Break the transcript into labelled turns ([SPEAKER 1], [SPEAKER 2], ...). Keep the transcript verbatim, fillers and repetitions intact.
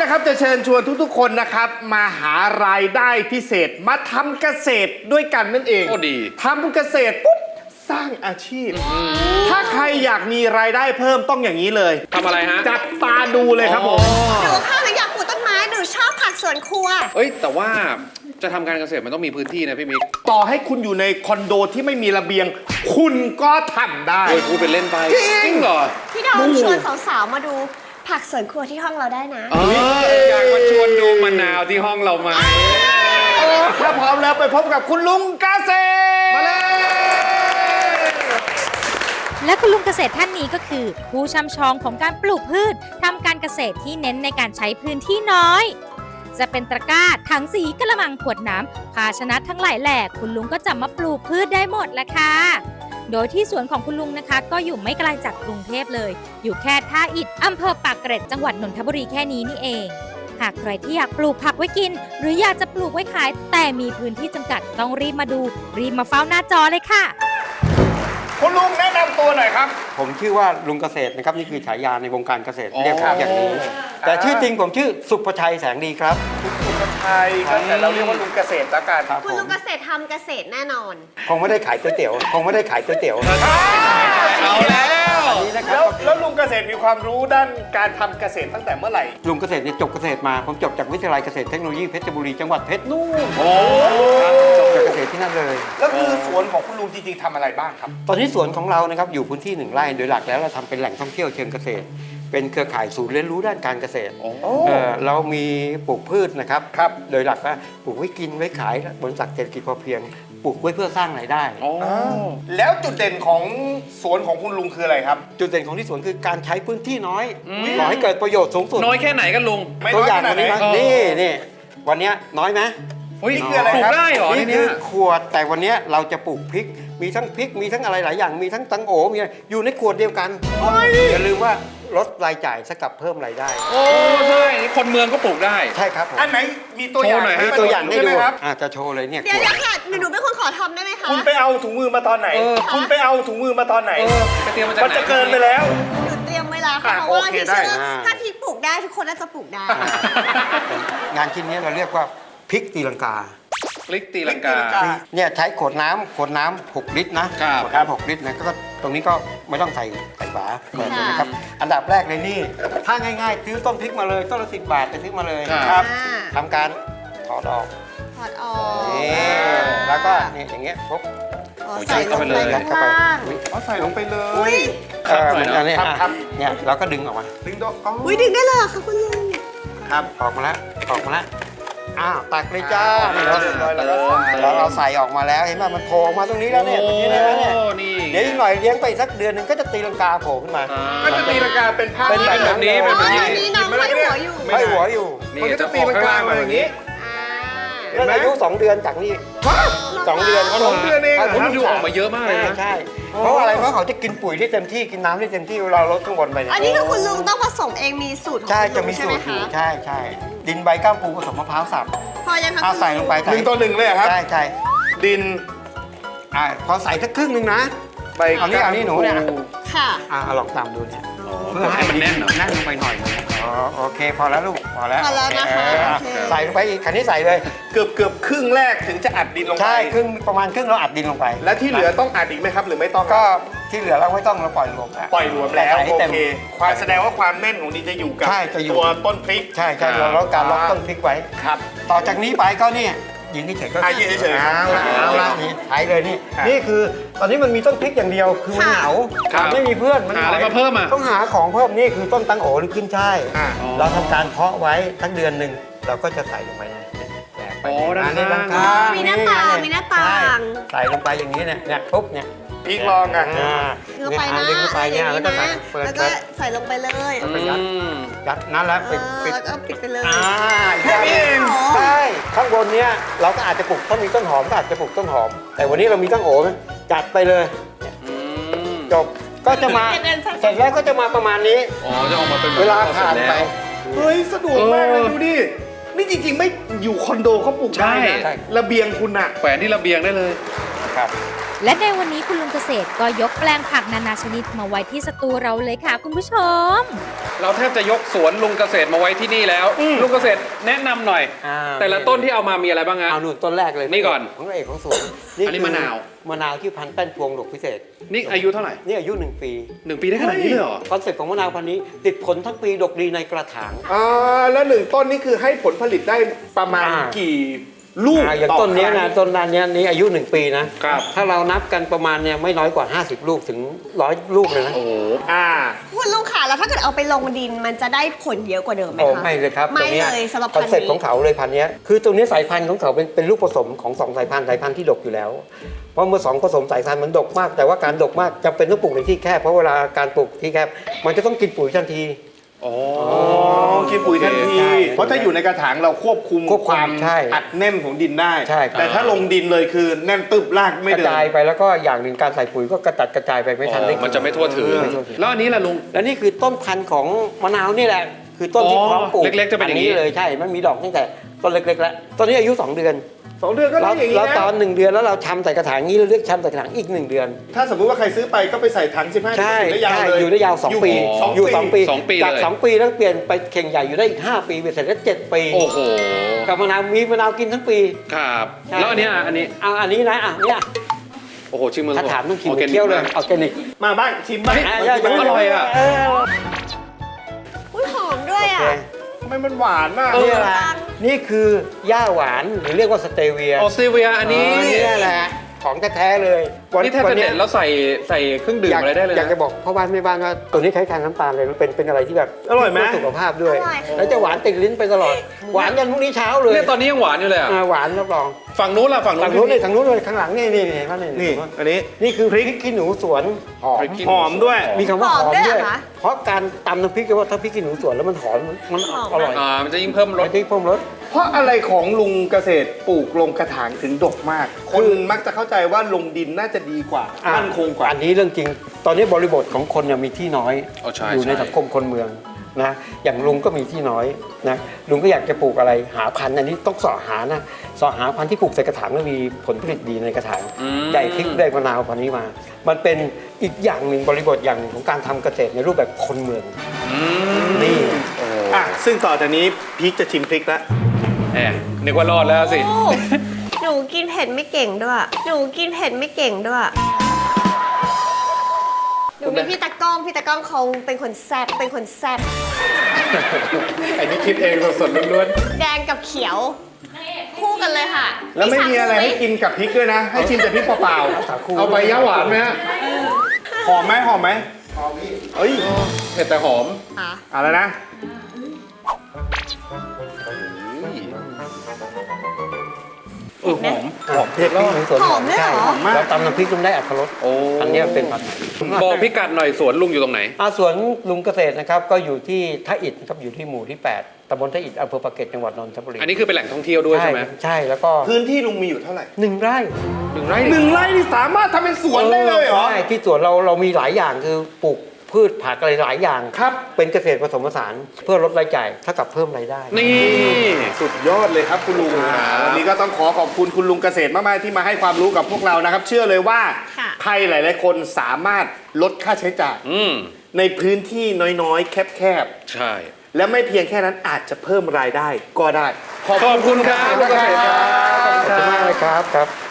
[SPEAKER 1] นะครับจะเชิญชวนทุกๆคนนะครับมาหารายได้พิเศษมาทำเกษตรด้วยกันนั่นเอง
[SPEAKER 2] โอ้ดี
[SPEAKER 1] ทำเกษตรปุ๊บสร้างอาชีพถ้าใครอยากมีรายได้เพิ่มต้องอย่างนี้เลย
[SPEAKER 2] ทำอะไรฮะ
[SPEAKER 1] จับตาดูเลยครับผม
[SPEAKER 3] หนูค่ะหนูอยากปลูกต้นไม้หนูชอบผักสวนครัว
[SPEAKER 2] เอ้ยแต่ว่าจะทำการเกษตรมันต้องมีพื้นที่นะพี่มิก
[SPEAKER 1] ต่อให้คุณอยู่ในคอนโดที่ไม่มีระเบียงคุณก็ทำได้
[SPEAKER 2] เฮ้ยพูดเป็นเล่นไปจริงเหรอ
[SPEAKER 3] พี่ดอมชวนสาวๆมาดูผักสวนครัวที่ห้องเราได้นะ
[SPEAKER 2] เอออยากมาชวนดูมะนาวที่ห้องเราไหม
[SPEAKER 1] ถ้าพร้อมแล้วไปพบกับคุณลุงเกษตรมาเลย
[SPEAKER 4] และคุณลุงเกษตรท่านนี้ก็คือผู้ช่ำชองของการปลูกพืชทำการเกษตรที่เน้นในการใช้พื้นที่น้อยจะเป็นตะกร้าถังสีกระมังขวดน้ำภาชนะทั้งหลายแหล่คุณลุงก็จะมาปลูกพืชได้หมดแหละค่ะโดยที่สวนของคุณลุงนะคะก็อยู่ไม่ไกลจากกรุงเทพเลยอยู่แค่ท่าอิฐอำเภอปากเกร็ดจังหวัดนนทบุรีแค่นี้นี่เองหากใครที่อยากปลูกผักไว้กินหรืออยากจะปลูกไว้ขายแต่มีพื้นที่จำกัดต้องรีบมาดูรีบมาเฝ้าหน้าจอเลยค่ะ
[SPEAKER 1] คุณลุงแนะนำตัวหน่อยครับ
[SPEAKER 5] ผมชื่อว่าลุงเกษตรนะครับนี่คือฉายาในวงการเกษตรเรียกผมอย่างนี้แต่ชื่อจริงผมชื่อสุภชัยแสงดีครับ
[SPEAKER 1] สุภชัยก็แต่เราเรียกว่าลุงเกษตรละกัน
[SPEAKER 3] คุณลุงเกษตรทำเกษตรแน่นอน
[SPEAKER 5] คงไม่ได้ขายก๋วยเตี๋ยวคงไม่ได้ขายก๋วยเตี๋ยว
[SPEAKER 1] เอาแล้วแล้วแล้วลุงเกษตรมีความรู้ด้านการทำเกษตรตั้งแต่เมื่อไหร่
[SPEAKER 5] ลุงเกษตรเนี่ยจบเกษตรมาผมจบจากวิทยาลัยเกษตรเทคโนโลยีเพชรบุรีจังหวัดเพชรนู่น
[SPEAKER 1] โอ้
[SPEAKER 5] จบจากเกษตรที่นั่นเลย
[SPEAKER 1] แล้วคือสวนของคุณลุงจริงๆทำอะไรบ้างครับ
[SPEAKER 5] ตอนนี้สวนของเรานะครับอยู่พื้นที่หนึ่งไร่โดยหลักแล้วเราทำเป็นแหล่งท่องเที่ยวเชิงเกษตรเป็นเครือข่ายศูนย์เรียนรู้ด้านการเกษตรเออเรามีปลูกพืชนะครับ
[SPEAKER 1] ครับ
[SPEAKER 5] โดยหลักว่าปลูกไว้กินไว้ขายบนหลักเศรษฐกิจพอเพียงปลูกไว้เพื่อสร้างรายได้
[SPEAKER 1] แล้วจุดเด่นของสวนของคุณลุงคืออะไรครับ
[SPEAKER 5] จุดเด่นของที่สวนคือการใช้พื้นที่น้อยขอให้เกิดประโยชน์สูงสุด
[SPEAKER 2] น้อยแค่ไหนกันลุง
[SPEAKER 5] ตัวอย่างวันนี้นะนี่นี่วันนี้น้อยไหม
[SPEAKER 1] นี่คืออะไรครับ
[SPEAKER 2] ปลูกได้เหรอ
[SPEAKER 5] นี่คือขวดแต่วันนี้เราจะปลูกพริกมีทั้งพริกมีทั้งอะไรหลายอย่างมีทั้งตังโอมีอยู่ในขวดเดียวกันอย่าลืมว่าลดรายจ่ายสกับเพิ่มรายได้
[SPEAKER 2] โอ้ใช่คนเมืองก็ปลูกได้
[SPEAKER 5] ใช่ครับ
[SPEAKER 1] อันไหนมีตัวอย่าง
[SPEAKER 5] มีตัวอย่างให้ดูอาจจะโชว์เลยเนี่ย
[SPEAKER 3] เดี๋ยวค่ะหนูเป็นคนขอทำได้ไหมคะ
[SPEAKER 1] คุณไปเอาถุงมือมาตอนไหนคุณไปเอาถุงมือมาตอนไหนมันจะเกินไปแล้ว
[SPEAKER 3] หนูเตรียมเวลาค่ะเพราะว่าที่เชื่อถ้าพริกปลูกได้ทุกคนน่าจะปลูกได้
[SPEAKER 5] งานชิ้นนี้เราเรียกว่าพริกตีลังกา
[SPEAKER 2] พริกตีลังกา
[SPEAKER 5] เนี่ยใช้ขวดน้ำขวดน้ำหกลิตรนะขวดน้ำหกลิตรนะก็ตรงนี้ก็ไม่ต้องใส่ใส่ฝาเปิดเลยนะครับอันดับแรกเลยนี่ถ้าง่ายๆซื้อต้นพริกมาเลยต้นละสิบบาทไปซื้อมาเลยครับทำการถอดออก
[SPEAKER 3] ถอดออก
[SPEAKER 5] นี่แล้วก็นี่อย่างเงี้ยปุ๊บ
[SPEAKER 3] ใส่ลงไป
[SPEAKER 5] ยัดเข้าไป
[SPEAKER 1] เอาใส่ลงไปเลย
[SPEAKER 5] เออเหมือนอันนี้เนี่ยเราก็ดึงออกมา
[SPEAKER 1] ดึงดอก
[SPEAKER 3] อุ้ยดึงได้เลยค่ะคุณลุง
[SPEAKER 5] ครับออกมาแล้วออกมาแล้วอ้าวตักเลยจ้าเราเราเราใส่ออกมาแล้วเห็นไหมมันโผล่มาตรงนี้แล้วเนี่ยตรงนี้แล้วเนี่ยเดี๋ยวอีกหน่อยเลี้ยงไปสักเดือนหนึ่งก็จะตีลังกาโผล่ขึ้นมา
[SPEAKER 1] ก็จะตีลังกาเป็นภาพ
[SPEAKER 5] เป็นแบบนี้
[SPEAKER 3] เป็นแบบนี้น้องห้อยหัวอยู่
[SPEAKER 5] ห้อยหัวอยู่
[SPEAKER 1] มันก็จะตีลังกามาอย่างนี้
[SPEAKER 5] แล้วอายุสองเดือนจากนี้สองเดือน
[SPEAKER 1] สองเดือนเอง
[SPEAKER 2] ผมดูออกมาเยอะมากเลยนะ
[SPEAKER 5] ใช่เพราะอะไรเพราะเขาจะกินปุ๋ยได้เต็มที่กินน้ำได้เต็มที่เราลดข้างบนไป
[SPEAKER 3] อันนี้คือคุณลุงต้องผสมเองมีสูตรของ
[SPEAKER 5] ใช่จะมีสูตรอยู่ใช่ใช่ดินใบก้ามปูผสมมะพร้าวสับ
[SPEAKER 3] พอยังครับ
[SPEAKER 5] ใส่ลงไป
[SPEAKER 1] หนึ่งต่อหนึ่งเลยครับ
[SPEAKER 5] ใช่ใช่
[SPEAKER 1] ดิน
[SPEAKER 5] อ่าพอใส่สักครึ่งหนึ่งนะใบเอานี่เอานี่หนูเนี่ย
[SPEAKER 3] ค่ะ
[SPEAKER 5] อ่าลองตามดูเนี่ย
[SPEAKER 2] เพื่อให้มันแน่น
[SPEAKER 5] แน่นลงไปหน่อยอ๋อโอเคพอแล้วลูกพอแล้ว
[SPEAKER 3] พอแล้วนะคะ
[SPEAKER 5] ใส่ลงไปอีกคันนี้ใส่เลย
[SPEAKER 1] เกือบเกือบครึ่งแรกถึงจะอัดดินลงไป
[SPEAKER 5] ใช่ครึ่งประมาณครึ่งเราอัดดินลงไป
[SPEAKER 1] และที่เหลือต้องอัดอีกไหมครับหรือไม่ต้อง
[SPEAKER 5] ก็ที่เหลือเราไม่ต้องเราปล่อยรวม
[SPEAKER 1] ปล่อยรวมแล้วโอเคความแสดงว่าความแน่นของดินจะอยู่กับตัวต้นพริก
[SPEAKER 5] ใช่ใช่เราลดการล็อกต้นพริกไว้
[SPEAKER 1] ครับ
[SPEAKER 5] ต่อจากนี้ไปก็นี่ยืนเฉยๆก็
[SPEAKER 1] ยืนเฉยๆ
[SPEAKER 5] เอาละเอาละนี่ใช้เลยนี่นี่คือตอนนี้มันมีต้นพริกอย่างเดียวคือมันเหงาไม่มีเพื่อน
[SPEAKER 2] มันหาอะไรมาเพิ่มอ่ะ
[SPEAKER 5] ต้องหาของเพิ่มนี่คือต้นตังโอหรือขึ้นช่ายเราทำการเพาะไว้ทั้งเดือนหนึ่งเราก็จะใส่ลงไปใน
[SPEAKER 2] โอ้ด้าน
[SPEAKER 5] ข้าง
[SPEAKER 3] มีหน้าต่างมีหน้าต่าง
[SPEAKER 5] ใส่ลงไปอย่างนี้เนี่ยเนี่ยปุ๊บเนี่ย
[SPEAKER 1] พริกลองอ่ะ
[SPEAKER 3] ลงไปนะ
[SPEAKER 5] ดึงเข้าไปเนี่ยแล้วก็ใส่
[SPEAKER 3] เปิดแล้วก็ใส่ลงไปเลย
[SPEAKER 5] แล้วก็ยัดยัดนั่นแล้วปิด
[SPEAKER 3] ปิดแล้วก็ปิดไปเลย
[SPEAKER 5] อ่าแค่นี้เองใช่ข้างบนเนี้ยเราก็อาจจะปลูกถ้ามีต้นหอมก็อาจจะปลูกต้นหอมแต่วันนี้เรามีต้นโอจัดไปเลยจบก็จะมาเสร็จแล้วก็จะมาประมาณนี้
[SPEAKER 2] อ๋อจะออกมาเป็น
[SPEAKER 5] เวลาผ่านไป
[SPEAKER 1] เฮ้ยสะดวกมากเลยดูดินี่จริงๆไม่อยู่คอนโดเขาปลูกได้นะระเบียงคุณอะ
[SPEAKER 2] แขวนที่ระเบียงได้เลย
[SPEAKER 5] ครับ
[SPEAKER 4] และในวันนี้คุณลุงเกษตรก็ยกแปลงผักนานาชนิดมาไว้ที่สตูเราเลยค่ะคุณผู้ชม
[SPEAKER 2] เราแทบจะยกสวนลุงเกษตรมาไว้ที่นี่แล้ว ลุงเกษตรแนะนำหน่อย
[SPEAKER 5] อ่า
[SPEAKER 2] แต่ละต้นที่เอามามีอะไรบ้างฮะ
[SPEAKER 5] เอาหนุนต้นแรกเลย
[SPEAKER 2] นี่ก่อน
[SPEAKER 5] ของเอกของสวน
[SPEAKER 2] อันนี้
[SPEAKER 5] คื
[SPEAKER 2] มะนาว
[SPEAKER 5] มะนาวที่พันธุ์แป้นพวงดอกพิเศษ
[SPEAKER 2] นี่อายุเท่าไหร่
[SPEAKER 5] นี่อายุหนึ่งปี
[SPEAKER 2] หนึ่งปีได้ขนาดนี้เลยเหรอ
[SPEAKER 5] คอนเซ็ปต์ของมะนาวพันธุ์นี้ติดผลทั้งปีดกดีในกระถาง
[SPEAKER 1] อ่าแล้วหนึ่งต้นนี่คือให้ผลผลิตได้ประมาณ
[SPEAKER 5] อ่า
[SPEAKER 1] กี่ลูก
[SPEAKER 5] อ่าอย่าง
[SPEAKER 1] ต่อ
[SPEAKER 5] ต้นเนี้ย
[SPEAKER 1] ครั้
[SPEAKER 5] นะ
[SPEAKER 1] ง
[SPEAKER 5] ต้นนั้นเนี้ยนี้อายุหนึ่งปีนะครับ ถ้าเรานับกันประมาณเนี่ยไม่น้อยกว่า ห้าสิบ ลูกถึงร้อยลูกเลยนะ
[SPEAKER 2] โอ้โห
[SPEAKER 1] อ่า
[SPEAKER 3] คุณลุงค่ะแล้วถ้าเกิดเอาไปลงดินมันจะได้ผลเยอะกว่าเดิมไหม
[SPEAKER 5] โอ้
[SPEAKER 3] คะ
[SPEAKER 5] ไม่เลยครับ
[SPEAKER 3] ไม่
[SPEAKER 5] ตัวนี้
[SPEAKER 3] เลยสำหรับ
[SPEAKER 5] ค
[SPEAKER 3] พั
[SPEAKER 5] อน น
[SPEAKER 3] ธุ์
[SPEAKER 5] เซ็ปต์
[SPEAKER 3] นี้
[SPEAKER 5] ของเขาเลยพันธุ์เนี้ยคือตัวนี้สายพันธุ์ของเขาเป็นเป็นลูกผสมของสองสายพันธุ์สายพันธุ์ที่ดกอยู่แล้ว เพราะเมื่อสองผสมสายพันธุ์มันดกมาก แต่ว่าการดกมากจำเป็นต้องปลูกในที่แคบเพราะเวลาการปลูกที่แคบมันจะต้องกินปุ๋ยทันที
[SPEAKER 2] อ๋อ
[SPEAKER 1] อ๋อกินปุ๋ยทันที
[SPEAKER 5] ใช่
[SPEAKER 1] เพราะถ้าอยู่ในกระถางเราควบคุม
[SPEAKER 5] ควบคุม
[SPEAKER 1] ความ
[SPEAKER 5] ใช่
[SPEAKER 1] อัดแน่นของดินได้
[SPEAKER 5] ใช่ครับ
[SPEAKER 1] แต่ถ้าลงดินเลยคือแน่นตึบรากไม่
[SPEAKER 5] กระ
[SPEAKER 1] เดิน
[SPEAKER 5] จายไปแล้วก็อย่างหนึ่งการใส่ปุ๋ยก็กระจัดกระจายไปไม่ทันได้กิ
[SPEAKER 2] มันจะไม่ทั่วถึง
[SPEAKER 5] ไม่ทั่วถึง
[SPEAKER 2] แล้วอันนี้ล่ะลุง
[SPEAKER 5] แล้วนี่คือต้นพันธุ์ของมะนาวนี่แหละ คือต้นที่
[SPEAKER 2] อ๋อ
[SPEAKER 5] พร้อมปลูก
[SPEAKER 2] เล็กๆจะเป็นอย่างนี้
[SPEAKER 5] นี้เลยใช่มันมีดอกตั้งแต่ต้นเล็กๆแล้วตอนนี้อายุสองเดือน
[SPEAKER 1] สองเดือนก็ได้
[SPEAKER 5] แล้ว
[SPEAKER 1] อย่างนี้
[SPEAKER 5] แล้วตอน
[SPEAKER 1] นะ
[SPEAKER 5] หนึ่งเดือนแล้วเราชำใส่กระถางนี้เราเรียกชำใส่กระถางอีกหนึ่งเดือน
[SPEAKER 1] ถ้าสมมุติว่าใครซื้อไปก็ไปใส่ถังสิบห้า
[SPEAKER 5] ใช่
[SPEAKER 1] ได้ยาว
[SPEAKER 5] ใช่
[SPEAKER 1] เลย
[SPEAKER 5] อยู่ได้ยาวสองปี
[SPEAKER 1] สอง
[SPEAKER 5] อยู่สองปี
[SPEAKER 2] สองปี
[SPEAKER 5] จาก
[SPEAKER 2] เลย
[SPEAKER 5] สองปีแล้วเปลี่ยนไปเข่งใหญ่อยู่ได้อีกห้าปีเป็นเสร็จแล้วเจ็ดปี
[SPEAKER 2] โอ้โห
[SPEAKER 5] กับมะนาวมีมะนาวกินทั้งปี
[SPEAKER 2] ครับ
[SPEAKER 5] ใช่
[SPEAKER 2] แล้วอันเนี้ยอันนี้
[SPEAKER 5] เอาอันนี้นะอ่ะเนี่ย
[SPEAKER 2] โอ้โหชิมมือ
[SPEAKER 5] ถ้าถามต้องกิน
[SPEAKER 2] อร์แกนิก
[SPEAKER 5] เคี้ยวเลย
[SPEAKER 2] มาก
[SPEAKER 5] ออร์แกนิก
[SPEAKER 1] มาบ้างชิมบ้าง
[SPEAKER 5] อ่ะ
[SPEAKER 2] มันอร่อยอ่ะ
[SPEAKER 5] เ
[SPEAKER 3] อุ้ยหอมด้วย
[SPEAKER 5] โอ
[SPEAKER 3] อ่ะ
[SPEAKER 5] เค
[SPEAKER 1] ทำไมมันหวานมาก
[SPEAKER 5] นี่แหละนี่คือหญ้าหวานหรือเรียกว่าสเตเวีย
[SPEAKER 2] ออสเตรเลียอันนี้
[SPEAKER 5] นี่แหละของแท้ๆเลยวัน
[SPEAKER 2] นี่แทบจะ
[SPEAKER 5] วั
[SPEAKER 2] เด็ดแล้วใส่ใส่เครื่องดื่ม
[SPEAKER 5] อยาก
[SPEAKER 2] อะไรได้เลย
[SPEAKER 5] อยาก
[SPEAKER 2] นะ
[SPEAKER 5] จะบอกพ่อบ้านแม่บ้านว่าตัวนี้คล้ายๆน้ำตาลเลยมันเป็นเป็นอะไรที่แบบ
[SPEAKER 1] อร่อยไหม
[SPEAKER 5] เพื่สุขภาพด้วย
[SPEAKER 3] อร่อยค่ะ
[SPEAKER 5] แล้วจะหวานติดลิ้นไปตลอด หวานยันพรุ่งนี้เช้าเลย
[SPEAKER 2] เนี่ยตอนนี้ยังหวานอยู่เลยอ่ะ
[SPEAKER 5] อ่าหวานรับรอง
[SPEAKER 2] ฝั่งนู้นล่ะฝั่งนู้
[SPEAKER 5] ทาง
[SPEAKER 2] น
[SPEAKER 5] นู้นเลยทางนู้นเลยข้างหลังนี่นี่นี่เห็นไหมนี่
[SPEAKER 1] นี่ อันนี้
[SPEAKER 5] นี่คือพริกขี้หนูสวนหอม
[SPEAKER 2] พริกขี้
[SPEAKER 1] หอมด้วย
[SPEAKER 5] มีคำว่าหอม
[SPEAKER 3] หอมด้วย
[SPEAKER 5] ด้วย
[SPEAKER 3] เหรอคะ
[SPEAKER 5] เพราะการตำน้ำพริกก็ว่าถ้าพริกขี้หนูสวนแล้วมันหอมมัน
[SPEAKER 3] หอม
[SPEAKER 5] อร่อย
[SPEAKER 2] อ่ามันจะยิ่งเพิ่มร
[SPEAKER 5] ร
[SPEAKER 2] ส
[SPEAKER 5] สที่เพิ่มรส
[SPEAKER 1] เพราะอะไรของลุงเกษตรปลูกลงกระถางถึงดกมาก คนมักจะเข้าใจว่าลงดินน่าจะดีกว่ามั่นคงกว่า
[SPEAKER 5] อันนี้เรื่องจริง ตอนนี้บริบทของคนเนี่ยมีที่น้อย
[SPEAKER 2] อ๋อใช่
[SPEAKER 5] อยู่ใน
[SPEAKER 2] ใช่
[SPEAKER 5] สังคมคนเมืองนะ อย่างลุงก็มีที่น้อยนะ ลุงก็อยากจะปลูกอะไร หาพันธุ์อันนี้ต้องเสาะหานะเสาะหาพันธุ์ที่ปลูกใส่กระถางแล้วมีผลผลิตดีในกระถาง
[SPEAKER 2] อืม
[SPEAKER 5] ใหญ่พริกได้มะนาวพันธุ์นี้มา มันเป็นอีกอย่างหนึ่งบริบทอย่างหนึ่งของการทำเกษตรในรูปแบบคนเมือง
[SPEAKER 2] อืม
[SPEAKER 5] นี่
[SPEAKER 1] อ่ะ ซึ่งต่อจากนี้พีคจะชิมพริกแล้ว
[SPEAKER 2] แหมนึกว่ารอดแล้วสิ
[SPEAKER 3] โอ้หนูกินเผ็ดไม่เก่งด้วย หนูกินเผ็ดไม่เก่งด้วย หนูมีพี่ตะก้อง พี่ตะก้องเขาเป็นคนแซ่บ เป็นคนแซ่บ
[SPEAKER 1] อันนี้คิดเองสดๆล้วน
[SPEAKER 3] แดงกับเขียว คู่กันเลยค่ะ
[SPEAKER 1] ๆแล้วไม่มีอะไรให้กินกับพริกด้วยนะ ให้ชิมแต่พริกเปล่าๆเอาใบย่าหวานไหมฮะหอมไหมหอมไหมหอมพี่เอ้ย
[SPEAKER 2] เผ็ดแต่หอม
[SPEAKER 3] ค่ะ
[SPEAKER 1] เอาแล้วนะ
[SPEAKER 2] เออหอม
[SPEAKER 5] หอมเผ็ดแล้วสวน
[SPEAKER 3] หอมด้วยเหรอ
[SPEAKER 5] ใช่
[SPEAKER 1] หอมมาก
[SPEAKER 5] เราตำน้ำพริกลุงได้อัตรส
[SPEAKER 2] โอ้
[SPEAKER 5] อันเนี้ยเป็นผัด
[SPEAKER 2] บอกพิกัดหน่อยสวนลุงอยู่ตรงไหน
[SPEAKER 5] อาสวนลุงเกษตรนะครับก็อยู่ที่ท่าอิฐนะครับอยู่ที่หมู่ที่แปดตำบลท่าอิฐอำเภอปากเกร็ดจังหวัดนนทบุรี
[SPEAKER 2] อันนี้คือเป็นแหล่งท่องเที่ยวด้วยใช่ไหม
[SPEAKER 5] ใช่แล้วก็
[SPEAKER 1] พื้นที่ลุงมีอยู่เท่าไหร่
[SPEAKER 5] หนึ่งไร่
[SPEAKER 2] หนึ่งไร่
[SPEAKER 1] หนึ่งไร่นี่สามารถทำเป็นสวนได้เลยเหรอ
[SPEAKER 5] ใช่ที่สวนเราเรามีหลายอย่างคือปลูกพืชผักอะไรหลายอย่าง
[SPEAKER 1] ครับ
[SPEAKER 5] เป็นเกษตรผสมผสานเพื่อลดรายจ่ายเท่ากับเพิ่มรายได้
[SPEAKER 2] นี่
[SPEAKER 1] สุดยอดเลยครับคุณลุง
[SPEAKER 2] ครับ
[SPEAKER 1] วันนี้ก็ต้องขอขอบคุณคุณลุงเกษตรมากๆที่มาให้ความรู้กับพวกเรานะครับ เชื่อเลยว่า
[SPEAKER 3] ค่ะ
[SPEAKER 1] ใครหลาย ๆ คนสามารถลดค่าใช้จ่าย
[SPEAKER 2] อืม
[SPEAKER 1] ในพื้นที่น้อยๆ แคบ
[SPEAKER 2] ใช่
[SPEAKER 1] ๆ และไม่เพียงแค่นั้นอาจจะเพิ่มรายได้ก็ได้
[SPEAKER 2] ขอบคุณครับลุงเกษตรครับ
[SPEAKER 5] ขอบคุณมากเลยครับครับ